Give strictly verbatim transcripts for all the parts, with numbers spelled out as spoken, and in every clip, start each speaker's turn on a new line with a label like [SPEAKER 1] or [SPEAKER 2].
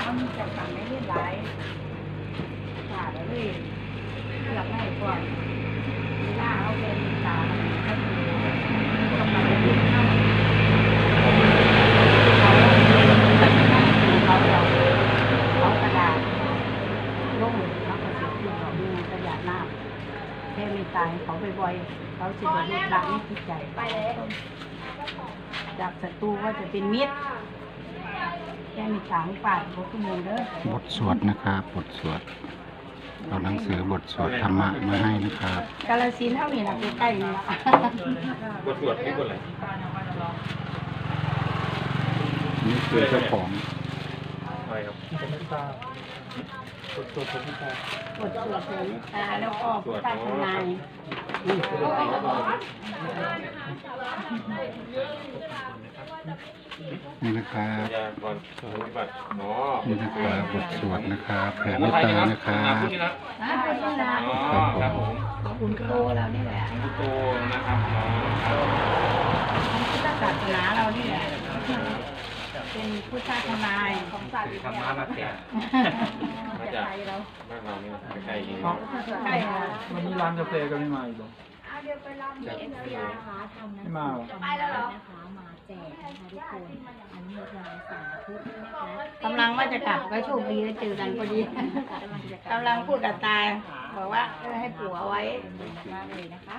[SPEAKER 1] เขามีจัดการไม่เรียบร้อยขาดเลยเลือกให้ก่อนเวลาเอาเป็นตาเขาดูต้องมาดูเข้าเขาเราเขากระดาษลงเขาก็จะขึ้นเขาดูกระดาษหน้าแค่มีตายเขาบ่อยๆเขาจะได้รู้รักนี่จิตใจไปจากศัตรูก็จะเป็นมิตรแค่มีสามป่าดบทมูเด้อบ
[SPEAKER 2] ทสวดนะครับบทสวดเอาหนังสือบทสวดธรรมะมาให้นะครับ
[SPEAKER 1] กาลสินธุ์เท่านี้นะใกล้ๆนี่ละ
[SPEAKER 3] บทสวดนี่บทอะไร
[SPEAKER 2] นี่คือเจ้าของ
[SPEAKER 3] อะไรครับ
[SPEAKER 1] บทสวดเมตตาแล้วก็พุทธทนาย
[SPEAKER 2] นี่นะครับ
[SPEAKER 3] ยากรปฏิบัติหมอ
[SPEAKER 2] นี่นะครับบทสวดนะครับแผ่เมตตานะครับ
[SPEAKER 3] พูดนี่นะ
[SPEAKER 1] นะพุทธนา
[SPEAKER 3] อ๋อครับผม
[SPEAKER 1] คุณโตเรานี่แหละ
[SPEAKER 3] พุทโตนะครับหมอครับ
[SPEAKER 1] พุทธศาสนาเรานี่แหละเป็นพุทธทนายของศาสนา
[SPEAKER 3] ธรรมะมาแจกมาจากบ้านเรานี่นะใกล้ๆเอง
[SPEAKER 1] ใช่ค่ะ
[SPEAKER 4] วันนี้ร้านกาแฟก็ไม่มาอีกหรอ
[SPEAKER 3] จาก
[SPEAKER 5] เอฟซีนะคะทำ
[SPEAKER 4] ไม่มาหรอ
[SPEAKER 5] ไปแล้วเหรอนะคะมาแจกนะคะทุกคนอันนี้โมทนาสาธุนะคะ
[SPEAKER 1] กำลังว่าจะกลับก็โชคดีได้เจอกันพอดีกำลังพูดกับตาบอกว่าเออให้ปู่เอาไว้
[SPEAKER 5] มากเลยนะคะ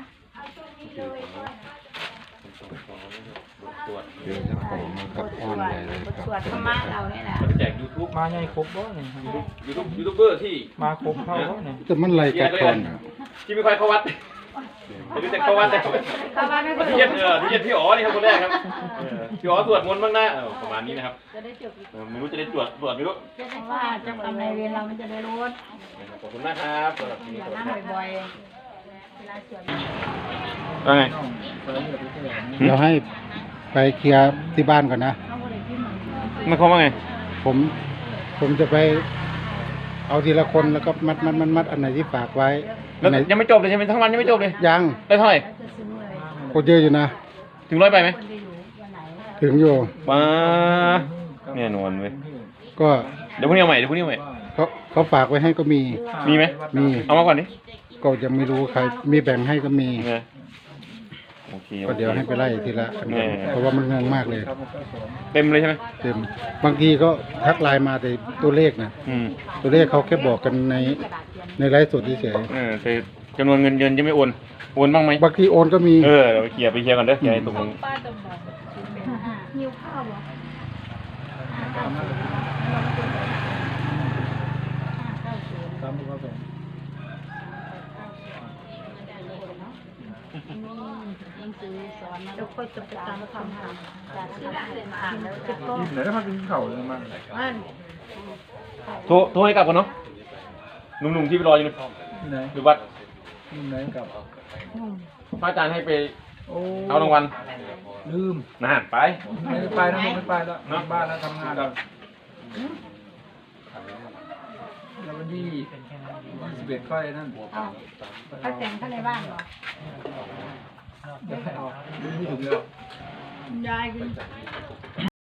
[SPEAKER 3] บทสวด
[SPEAKER 2] เจอเจ้าของนะครับอ้อนใหญ่เลย
[SPEAKER 1] บท
[SPEAKER 2] ครับ
[SPEAKER 1] สวดธรรมะเรานี่แหละ
[SPEAKER 3] มาแจกยูทูบ
[SPEAKER 4] มาใหญ่ครบบ่เนี่ย
[SPEAKER 3] ยูทูบยูทูบเบอร์ที่
[SPEAKER 4] มาครบเข้าบ่เนี่ย
[SPEAKER 2] แต่มันไรกัดคนอ่ะ
[SPEAKER 3] ที่ไม่ค่อยเข้าวัดไม่รู้จักเข้าวัดแต่
[SPEAKER 1] เข้ามาไม่
[SPEAKER 3] ที่เย็นเออที่เย็นพี่อ๋อนี่ครับคนแรกครับเออพี่อ๋อสวดมนต์บ้างนะเออประมาณนี้นะครับ
[SPEAKER 1] จะได้จบ
[SPEAKER 3] เออไม่รู้จะได้ตรวจตรวจไม่รู้
[SPEAKER 1] จะได้ว่าเจ้ากรรมนายเวรเรามันจะได้รู้
[SPEAKER 3] ขอบคุณมากครับสำหรับที่
[SPEAKER 1] อย่า
[SPEAKER 3] ตรวจ
[SPEAKER 1] นั่งบ่อยๆเวลาสวด
[SPEAKER 3] ว่าไง
[SPEAKER 2] เดี๋ยวให้ไปเคลียร์ที่บ้านก่อนนะ
[SPEAKER 1] เขาก็เลยพิมพ์เหมือน
[SPEAKER 3] มันเขาว่าไง
[SPEAKER 2] ผมผมจะไปเอาทีละคนแล้วก็มัดมัดมัดมัดอันไหนที่ฝากไว้
[SPEAKER 3] แล้
[SPEAKER 2] อั
[SPEAKER 3] วน
[SPEAKER 2] ไหน
[SPEAKER 3] ยังไม่จบเลยใช่ไหมทั้งวันยังไม่จบเลย
[SPEAKER 2] ยัง
[SPEAKER 3] ได้เท่าไหร่
[SPEAKER 1] จะซื้อเลย
[SPEAKER 2] โคตรเยอะอยู่นะ
[SPEAKER 3] ถึงร้อยไปไหม
[SPEAKER 1] คนจะอยู่วันไหน
[SPEAKER 2] ถึงอยู่
[SPEAKER 3] ว้าแน่นอนเว้ย
[SPEAKER 2] ก็
[SPEAKER 3] เดี๋ยวพรุ่งนี้เอาใหม่เดี๋ยวพรุ่งนี้เอาใหม่
[SPEAKER 2] เขาเขาฝากไว้ให้ก็มี
[SPEAKER 3] มีไหม
[SPEAKER 2] มี
[SPEAKER 3] เอามาก่อนดิ
[SPEAKER 2] ก็ยังไม่รู้ใครมีแบ่งให้ก็มี
[SPEAKER 3] เนี่ยโอเค
[SPEAKER 2] ก็เดี๋ยวให้ไปไล่ทีละอันก่อนเพราะว่ามันงงมากเลย
[SPEAKER 3] เต็มเลยใช่ไหม
[SPEAKER 2] เต็มบางทีก็ทักไลน์มาแต่ตัวเลขนะ
[SPEAKER 3] อืม
[SPEAKER 2] ตัวเลขเขาแค่บอกกันในในไลฟ์สดเฉย
[SPEAKER 3] เออแต่จำนวนเงินเดือนยังไม่โอนโอนบ้างไหม
[SPEAKER 2] ๆบางทีโอนก็มี
[SPEAKER 3] เออเดี๋ยวไปเคลียร์ไปเคลียร์ก่อนเด้อเคลียร์ให้ตรงนี้
[SPEAKER 1] หิวข้าวเหรอ
[SPEAKER 4] ตามที่เขาส่ง
[SPEAKER 1] หนังสือสอนแล้วก็จะไปตามคำถามจากที่อ่านแล้วจะก็
[SPEAKER 4] ไหนถ้ามันเป็นเข่าเลยมา
[SPEAKER 1] อ่าน
[SPEAKER 3] โทรโทรให้กลับก่อนเนาะหนุ่มๆที่ไปรออยู่ใน
[SPEAKER 4] ไหน
[SPEAKER 3] หรือวัด
[SPEAKER 4] ไหนกับ
[SPEAKER 3] พระอาจารย์ให้ไป
[SPEAKER 4] โอ้
[SPEAKER 3] เอารางวัล
[SPEAKER 4] ลืม
[SPEAKER 3] นานไป
[SPEAKER 4] ไม่ได้ไปนะไม่ไปแล้วนอกบ้านแล้วทำงานแล้วแล้ววันที่ยี่สิบเอ็ดค่อยนั่น
[SPEAKER 1] เอาถ้าแต่งข้างในบ้านเหรอ
[SPEAKER 4] เดี๋ยวให้เอาไม่ถึงแล้ว
[SPEAKER 1] ยายคือ